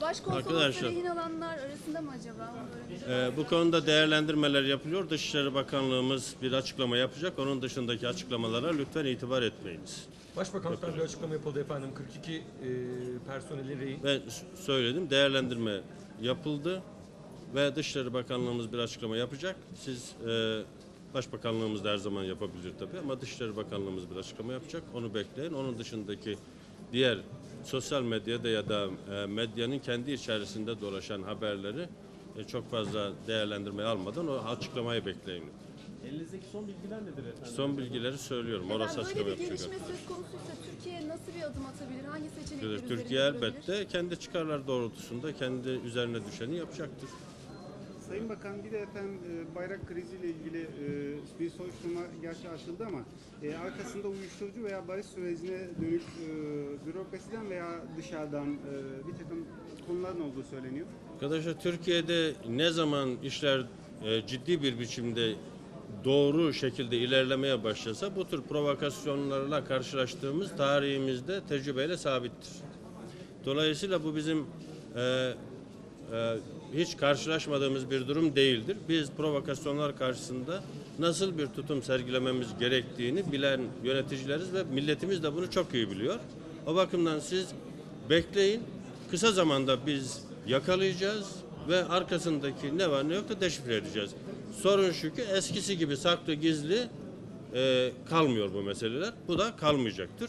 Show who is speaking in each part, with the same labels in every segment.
Speaker 1: Başkonsolosla rehin alanlar arasında mı acaba? Bu konuda değerlendirmeler yapılıyor. Dışişleri Bakanlığımız bir açıklama yapacak. Onun dışındaki açıklamalara lütfen itibar etmeyiniz.
Speaker 2: Başbakanlıktan bir açıklama yapıldı efendim. 42 personeli rehin.
Speaker 1: Ben söyledim, değerlendirme yapıldı ve Dışişleri Bakanlığımız bir açıklama yapacak. Siz Başbakanlığımız da her zaman yapabilir tabii ama Dışişleri Bakanlığımız bir açıklama yapacak. Onu bekleyin. Onun dışındaki diğer sosyal medyada ya da medyanın kendi içerisinde dolaşan haberleri çok fazla değerlendirmeye almadan o açıklamayı bekleyin.
Speaker 3: Elinizdeki son bilgiler nedir efendim?
Speaker 1: Son bilgileri söylüyorum. Orası açıklama
Speaker 4: böyle bir
Speaker 1: yapacak.
Speaker 4: gelişme söz konusuysa Türkiye nasıl bir adım atabilir? Hangi seçenekler üzerinde
Speaker 1: Türkiye
Speaker 4: durabilir?
Speaker 1: elbette kendi çıkarlar doğrultusunda kendi üzerine düşeni yapacaktır.
Speaker 5: Sayın Bakan, bir de efendim bayrak kriziyle ilgili bir soruşturma gerçi açıldı ama arkasında uyuşturucu veya barış sürecine dönük bürokrasiden veya dışarıdan bir takım konuların olduğu söyleniyor.
Speaker 1: Arkadaşlar, Türkiye'de ne zaman işler ciddi bir biçimde doğru şekilde ilerlemeye başlasa bu tür provokasyonlarla karşılaştığımız tarihimizde tecrübeyle sabittir. Dolayısıyla bu bizim hiç karşılaşmadığımız bir durum değildir. Biz provokasyonlar karşısında nasıl bir tutum sergilememiz gerektiğini bilen yöneticileriz ve milletimiz de bunu çok iyi biliyor. O bakımdan siz bekleyin. Kısa zamanda biz yakalayacağız ve arkasındaki ne var ne yok da deşifre edeceğiz. Sorun şu ki eskisi gibi saklı gizli kalmıyor bu meseleler. Bu da kalmayacaktır.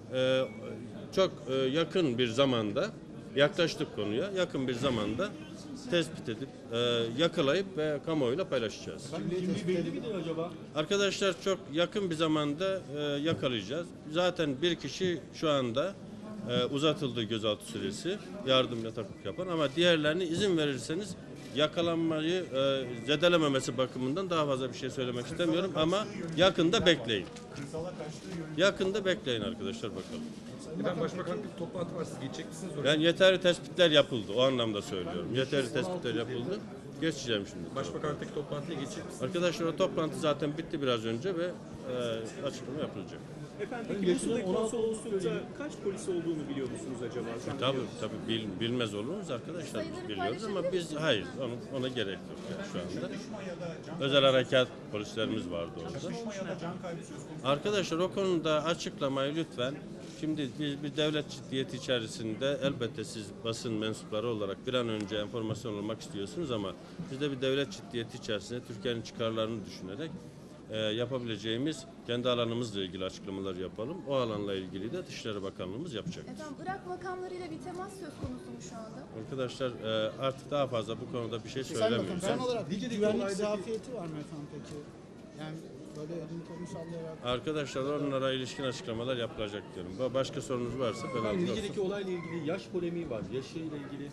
Speaker 1: Çok yakın bir zamanda yaklaştık konuya. Yakın bir zamanda tespit edip yakalayıp ve kamuoyuyla paylaşacağız.
Speaker 3: Kimliği belli midir acaba?
Speaker 1: Arkadaşlar çok yakın bir zamanda yakalayacağız. Zaten bir kişi şu anda uzatıldı gözaltı süresi, yardım yataklık yapan, ama diğerlerini izin verirseniz yakalanmayı zedelememesi bakımından daha fazla bir şey söylemek istemiyorum ama yakında bekleyin. Yakında bekleyin arkadaşlar, bakalım.
Speaker 2: Efendim Başbakanlıkta bir toplantı var. Siz geçecek misiniz oraya?
Speaker 1: Yani yeterli tespitler yapıldı, o anlamda söylüyorum. Yeterli tespitler yapıldı. Geçeceğim şimdi.
Speaker 2: Başbakanlıktaki toplantıya geçecek misiniz?
Speaker 1: Arkadaşlar, o toplantı zaten bitti biraz önce ve açıklama yapılacak.
Speaker 3: Efendim peki Mısır'daki konsoloslukta kaç polis olduğunu biliyor musunuz acaba?
Speaker 1: Tabii bilmez olur muyuz arkadaşlar? Biz biliyoruz ama biz hayır, ona gerek yok yani şu anda. Özel harekat polislerimiz vardı orada. Arkadaşlar, o konuda açıklamayı lütfen. Şimdi biz bir devlet ciddiyeti içerisinde, elbette siz basın mensupları olarak bir an önce enformasyon olmak istiyorsunuz ama biz de bir devlet ciddiyeti içerisinde Türkiye'nin çıkarlarını düşünerek yapabileceğimiz kendi alanımızla ilgili açıklamalar yapalım. O alanla ilgili de Dışişleri Bakanlığımız yapacak.
Speaker 4: Efendim Irak makamlarıyla bir temas söz konusu mu şu anda?
Speaker 1: Arkadaşlar, artık daha fazla bu konuda bir şey söylemiyoruz.
Speaker 6: Son olarak güvenlik zafiyeti var mı efendim peki? Yani böyle elini kolunu sallayarak...
Speaker 1: Arkadaşlar, onlara ilişkin açıklamalar yapılacak diyorum. Başka sorunuz varsa ben alırım.
Speaker 3: Nice'deki olayla ilgili yaş polemiği var. Yaşıyla ilgili.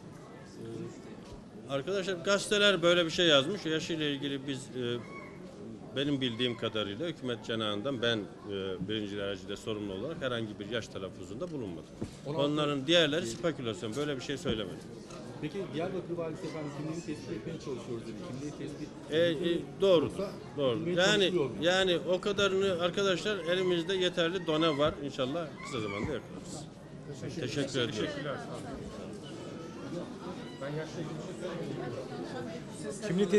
Speaker 1: Arkadaşlar, gazeteler böyle bir şey yazmış. Yaşıyla ilgili biz benim bildiğim kadarıyla hükümet cenahından ben birinci derecede sorumlu olarak herhangi bir yaş telaffuzunda bulunmadım. Onların diğerleri spekülasyon. Böyle bir şey söylemedim.
Speaker 3: Peki Diyarbakır Valisi efendim kimliğini tespit etmeye çalışıyoruz dedi. Kimliği tespit
Speaker 1: Doğrudur. Doğru.
Speaker 3: Bilmeye çalışılıyor mu?
Speaker 1: Yani o kadarını arkadaşlar, elimizde yeterli done var. İnşallah kısa zamanda yaparız. Teşekkür ediyorum.
Speaker 2: Ben yaşta ilgili bir şey söylemeyeyim.
Speaker 6: Kimliği